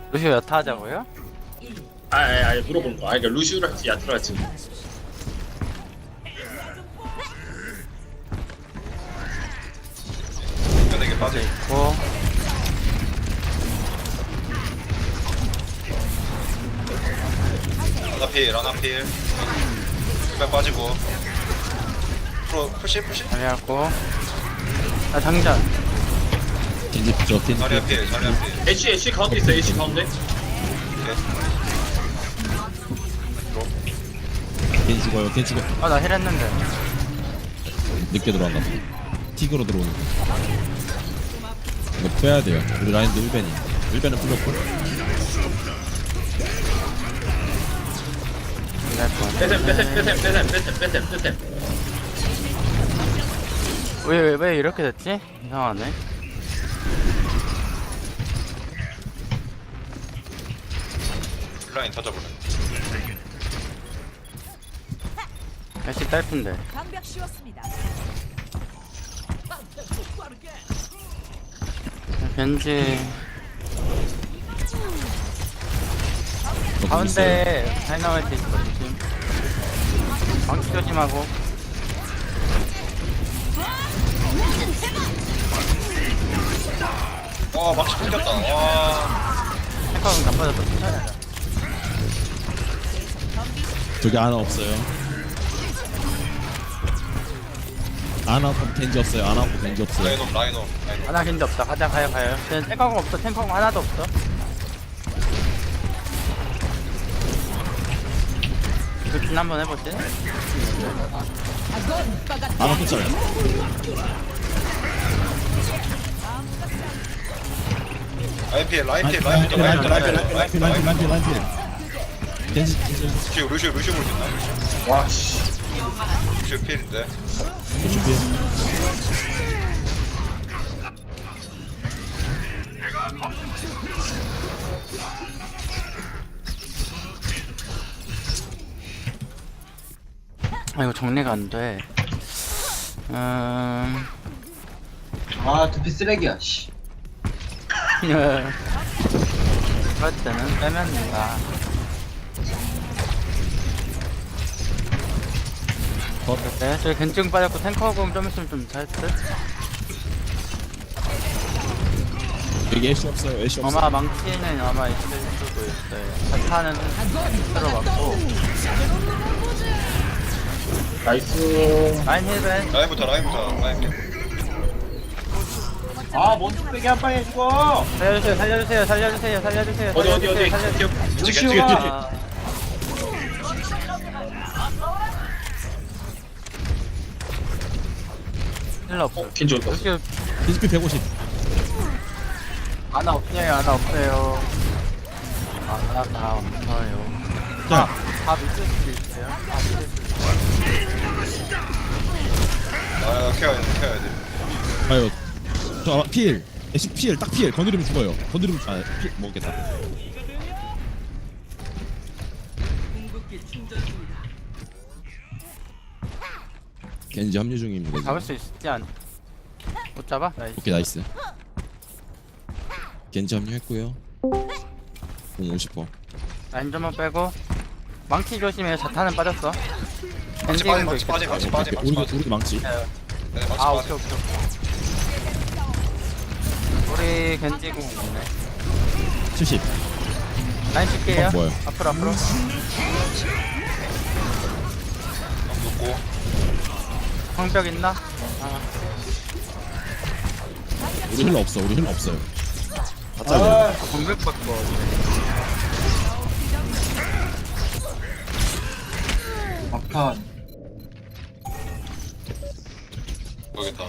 루시오 여타 하자고요? 아니 물어보는 거. 그러니까 루시우를 할지 야트를 할지. 연예계 빠져. 있고 라나필. 빨 빠지고. 프로 푸시. 자리하고 나 장전 겐지 부죠 겐지 자리야 필. 애쉬 가운데 있어. 애쉬 가운데. 겐지 죽어요 겐지 죽어 아 나 힐했는데 늦게 들어왔나 봐 틱으로 들어오는 거 이거 빼야 돼요 우리 라인도 1벤은 풀렸고 빼셈. 왜 이렇게 됐지? 이상하네 라인 터져볼래. 날씨 짧은데 방벽 씌웠습니다. 벤지 가운데 다이너마이트 있어 조심 방치 조심하고 와 망치 끊겼다. 와. 탱커는 나빠졌어 괜찮아 저기 하나 없어요 아나 없고 겐지 없어요 아나 없고 겐지 없어요 라인홈. 하나 겐지 없다 가자 가요 탱커가 없어 탱커가 하나도 없어 이거 한번 해보지 아나 또 잘해 라인 필. 겐지 루시오 볼 수 있나? 와 씨. 루시오 필인데. 준비해 아 이거 정리가 안돼 아 두피 쓰레기야 씨. 그럴 때는 빼면 된다 네, 저기 겐증 빠졌고 탱커금 좀 있으면 좀 잘했듯 여기 애쉬 없어요 애쉬 없어요 아마 망치는 아마 있을 수도 있어요 자타는 들어갔고 나이스. 라인 힐벤 라인 필. 아뭔 뚝배기 한 방에 죽어. 살려주세요 어디. 루시오가 힐러 없어 킨지 온다. 루시오 겐지 150 하나 없어요 하나 없어요 하나 없어요 자 다 믿을 수도 있어요 다 믿을 수도 있어요 케어해야 돼. 아유 저 필 애쉬 필딱 필 건드리면 죽어요 건드리면 아필 먹겠다 겐지 합류 중입니다 잡을 지금. 수 있지 않? 못 잡아? 나이스. 오케이 나이스 겐지 합류했고요 공 50%. 라인 좀만 빼고 망치 조심해 자타는 빠졌어 망치 빠지. 우리 망치 아 오케이 우리 겐지공 있네 70 라인 칠게요 뭐야? 앞으로 놓고. 방벽 있나? 아 우리 힐러 없어 우리 힐러 없어요 다 잘려 방벽 받고 막판 모르겠다.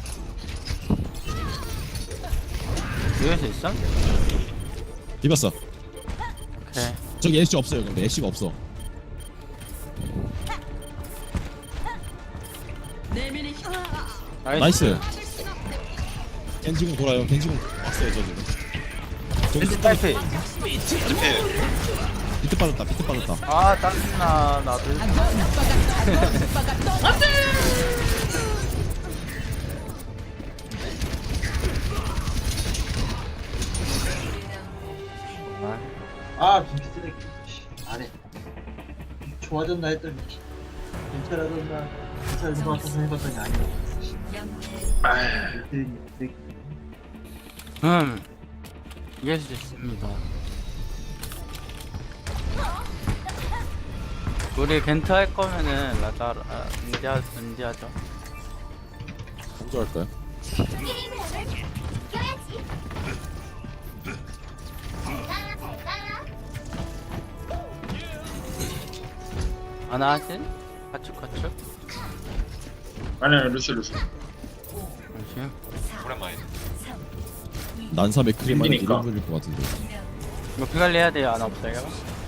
유에서 있어? 비볐어 오케이 저기 애쉬 없어요 근데 애쉬가 없어 나이스 겐지공 돌아요 겐지공 왔어요 저 지금 저기 겐지 딸피 필. 비트 빠졌다 아 짜증나 나도 아 아 두피 쓰레기. 씨, 안해. 좋아졌나 했더니 씨, 괜찮아졌나 괜찮은 것 같아서 해봤더니 아니야. 아휴. 쓰레기. 이해할 수 있습니다. 우리 겐트 할 거면은 라자 은디하죠. 먼저 할까요? 아나 하신? 가축. 아니 루시. 잠시만. 오랜만이네. 난사 맥크리만 힘드니까. 1인분일 것 같은데. 이거 피관리 해야 돼요. 아나 없어요?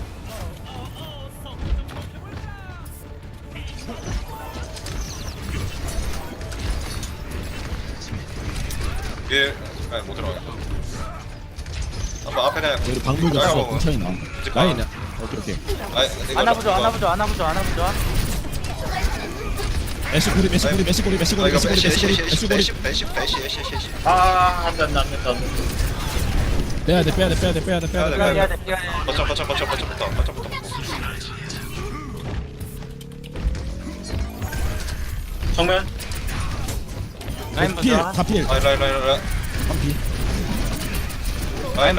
위에 아니 못 들어가겠다. 한번 앞에 그냥 여기 방불 아이고, 갔어. 근처에 있나? 이제 라인이야. 오케이. 아나 보자. 애쉬고리. 아 안돼. 빼야 돼. 피관리 해야 돼. 거점부터. 정면. 라인 필, 보자. 다 필. 라인. 한필. 라인.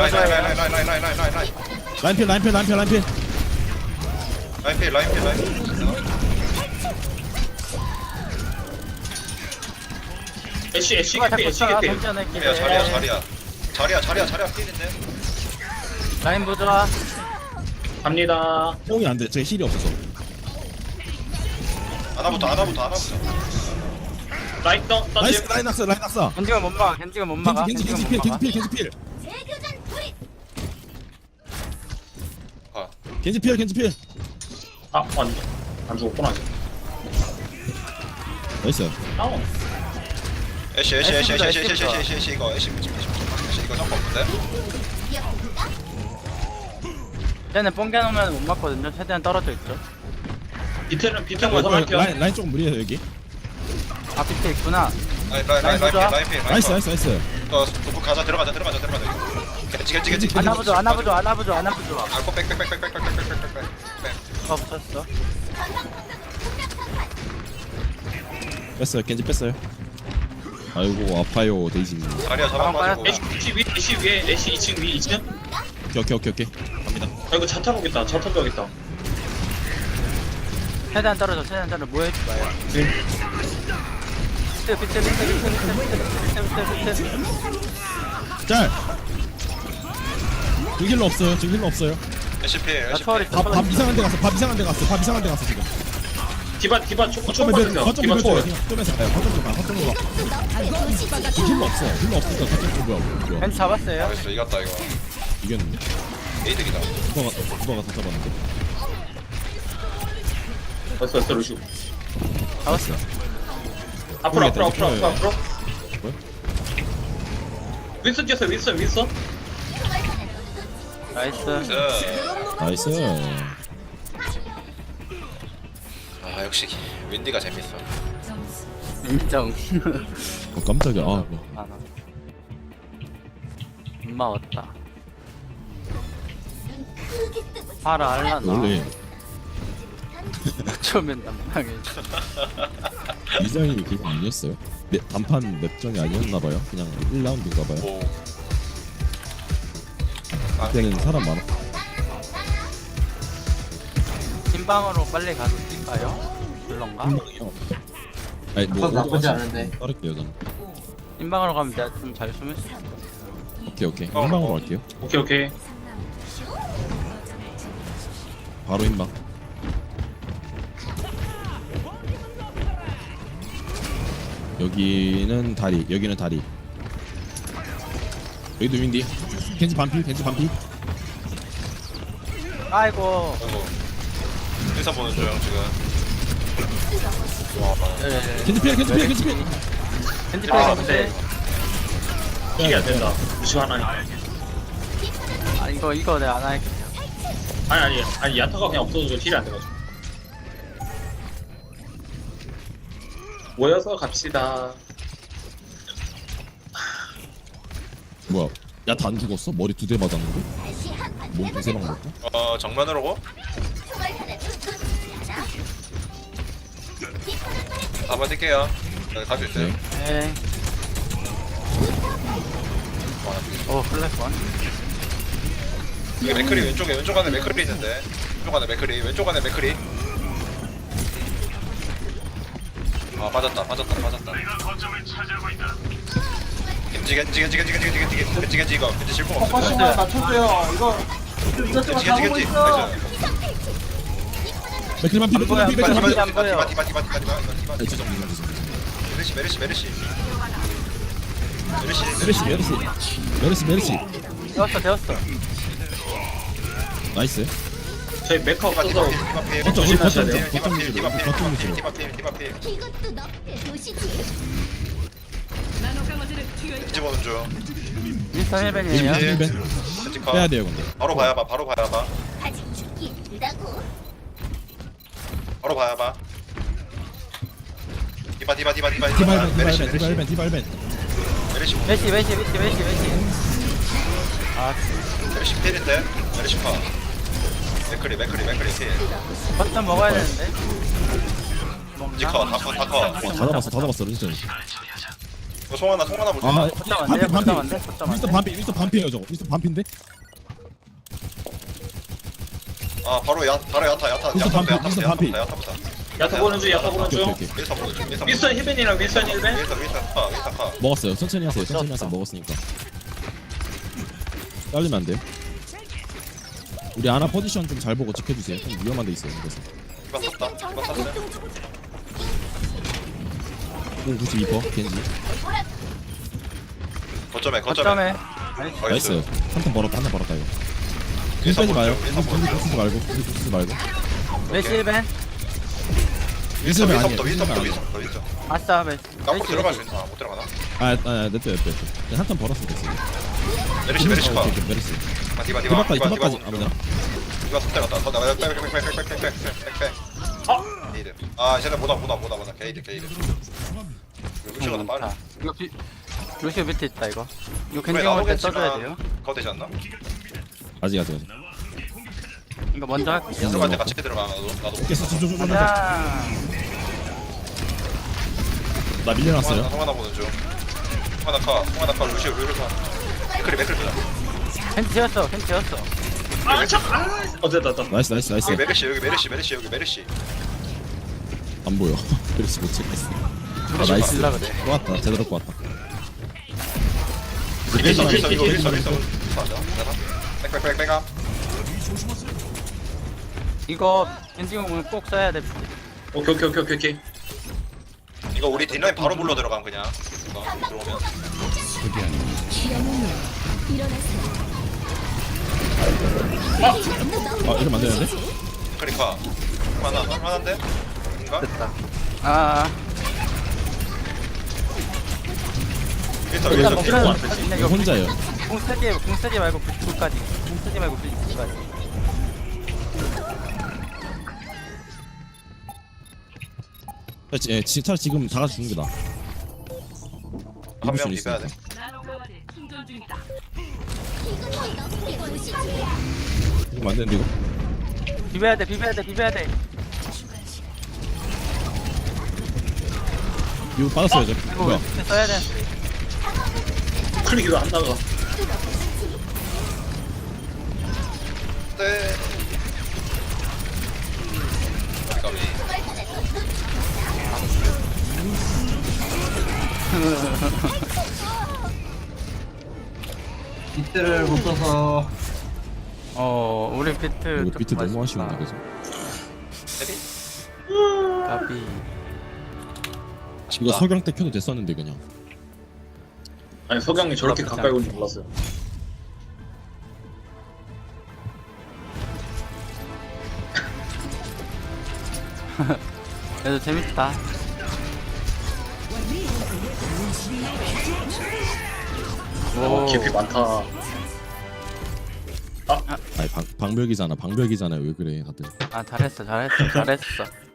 애쉬 누가 자꾸 개피. 던져낼게. 자리야 필인데. 라인 보자. 갑니다. 뽕이 안 돼. 제 힐이 없어서. 하나부터. 라이트 나이스. 던짐. 라인 낙사. 겐지가 못 막아. 겐지 필. 아, 겐지 필. 아 아니 안 죽었구나. 나이스. 다운. 애쉬 이거 점프 없는데? 쟤는 뽕개 놓으면 못 맞거든요. 최대한 떨어져 있죠. 비트는 먼저 갈게요. 라인 조금 무리해요 여기. 아 밑에 있구나. 라인 필. 나이스. 도구 가자 들어가자. 겐지. 아나 보자. 알고 백. 누가 붙였어? 뺐어요. 겐지 뺐어요. 아이고 아파요 데이지님. 자리야 잡아가지고. 애쉬 위에 애쉬 2층 위 2층. 오케이. 갑니다. 아 이거 자탄 오겠다. 최대한 떨어져. 뭐 해지 마요. 비트. 짤. 지금 힐러 없어요. 애쉬 필. 나 초월이 밥 이상한 데 갔어 지금. 디바 초코 거점 받으세요. 디바 초월. 거점에서 가요. 거점으로 가. 지금 힐러 없으니까 거점 뭐야. 벤 잡았어요. 알겠어 이겼다 이거. 이겼는데? 에이득이다. 누가가 다 잡았는데? 됐어 루시. 잡았어. 앞으로. 뭐야? 윈슨 뛰었어요. 윈슨. 나이스. 나이스. 아 역시 윈디가 재밌어. 인정. 깜짝이야. 아, 아나. 엄마 왔다. 파라 알라나. 원래 처음엔 남방에. 이장님이 그거 아니었어요? 단판 맵정이 아니었나봐요. 그냥 1라운드인가봐요. 오. 그때는 사람 많아. 흰방으로 빨리 가서 뛸까요? 불런가? 한방이요. 아니 뭐 그건 나쁘지 오토바이 않은데. 따를게요 저는. 흰방으로 가면 내가 좀 잘 숨을 수 있어. 오케이. 한방으로 갈게요. 오케이. 바로 인방. 여기는 다리. 여기도 윈디. 겐지 반피. 아이고. 아이고. 인사 보는 중 지금. 와. 겐지 필. 겐지 아, 빼고 네. 이게 안 된다. 루시 하나. 아 이거 내가 안 할게. 아니 야타가 그냥 없어져서 힐이 안 돼가지고. 모여서 갑시다. 뭐야? 야 다 안 죽었어? 머리 2대 맞았는데? 몸 두세 방 먹고. 정면으로 고. 한번 뛸게요. 여기 갈수 있어요. 네. 네. 오 플랫원. 여기 맥크리 왼쪽 안에 맥크리 있는데. 왼쪽 안에 맥크리. 아 빠졌다. 겐지 이거 겐지 실패 없어. 포커싱만 맞춰줘요. 이거 이것저것 다 보고 있어. 맥클만 피, 안 보여, 맥클만 피, 안 보여. 맥클만 피. 안 보여. 디바. 죄송. 메르시. 되었어. 나이스. 저희 메카 없어서 거점 우리 거점 조심하셔야 돼요. 거점 위주로. 거점 위주로. 이것도 너의 도시지. 겐지 보는 중. 윈스턴 헬벤이에요. 예. 1벤 겐지 컷. 빼야 돼요 근데. 바로 봐야 봐. 아직 죽기 일다고. 바로 봐야 봐. 디바. 디발벤. 메리시 메시. 아 메리시 필인데. 메리시 파. 맥크리 필. 버튼 먹어야 되는데. 겐지 컷. 다 컷. 다 잡았어 린스턴. 이거 송하나 보자. 아 거점 안 돼요. 거점 안 돼. 거점 안 돼. 윈스턴 반피예요 저거. 윈스턴 반피인데? 아 바로 야타. 윈스턴 반피. 야타부터. 야타 보는 중. 오케이. 윈스턴 보는 중. 윈스턴 힐벤이랑 윈스턴 힐벤. 윈스턴 파. 먹었어요. 천천히 하세요. 먹었으니까. 잘리면 안 돼요. 우리 아나 포지션 좀 잘 보고 지켜주세요. 좀 위험한 데 있어요. 그래서. 디바 썼다. 디바 썼어. 92% 겐지. 거점에. 나이스. 한턴 벌었다 이거. 윈스턴 빼지 마요. 윈스턴 쓰지 말고. 메시 헬벤. 윈스턴 아니에요. 윈스턴. 아싸 메시. 깜빡 들어갈 수 있나? 못 들어가나? 냅둬. 한턴 벌었으면 됐어. 메리시 파. 오케이, 메르시. 디바까지. 아무나. 디바 손대 갔다. 더 나가. 빽. 게이드. 아 이제는 보다. 게이드. 루시가 더 빨라. 이거 루시오 밑에 있다 이거. 이거 왜 겐지 나도 먹을 때 써줘야 겠지만 돼요. 그거 되지 않나? 아직. 이거 먼저 할게요. 들어갈 때 같이 들어가. 나도. 깼어. 좀. 가자. 나 밀려났어요. 송하나 보는 중. 송하나 카. 루시오 맥크리 보자. 캔 지었어. 됐다. 나이스. 여기 메르시. 안 보여. 메르시 못 찍겠어. 나이스. 질라 그래. 꼬았다. 제대로 꼬았다. 윌선. 빽. 이거 겐지 공은 꼭 써야 돼. 오케이. 이거 우리 뒷라인 바로 물러 들어가면 그냥. 이거 들어오면. 이러면 안 되는데? 그러니까 할만한데? 인가? 됐다. 아. 윌선. 일단 먹으면 이거 이거 혼자예요. 공 쓰지 말고 99까지. 공 쓰지 말고 99까지. 차라리 지금 다 같이 죽는 게 나아. 한 명 이길 수 비벼야 돼. 이것도 너의 도시지. 이거 안 되는데 이거? 비벼야 돼. 이거 빠졌어요 저. 이거 뭐야? 써야 돼. 클릭이 왜 안 나가? 네. 까비. 비트를 못 써서 우리 비트 이거 비트 조금 너무 아쉽다. 아쉬운데 그래서. 까비. 이거 석양 때 켜도 됐었는데 그냥. 아니 석양이 저렇게 가까이 올 줄 몰랐어요. 그래도 재밌다. 오. 깊이 많다. 아니 방벽이잖아요 왜 그래 다들. 아 잘했어.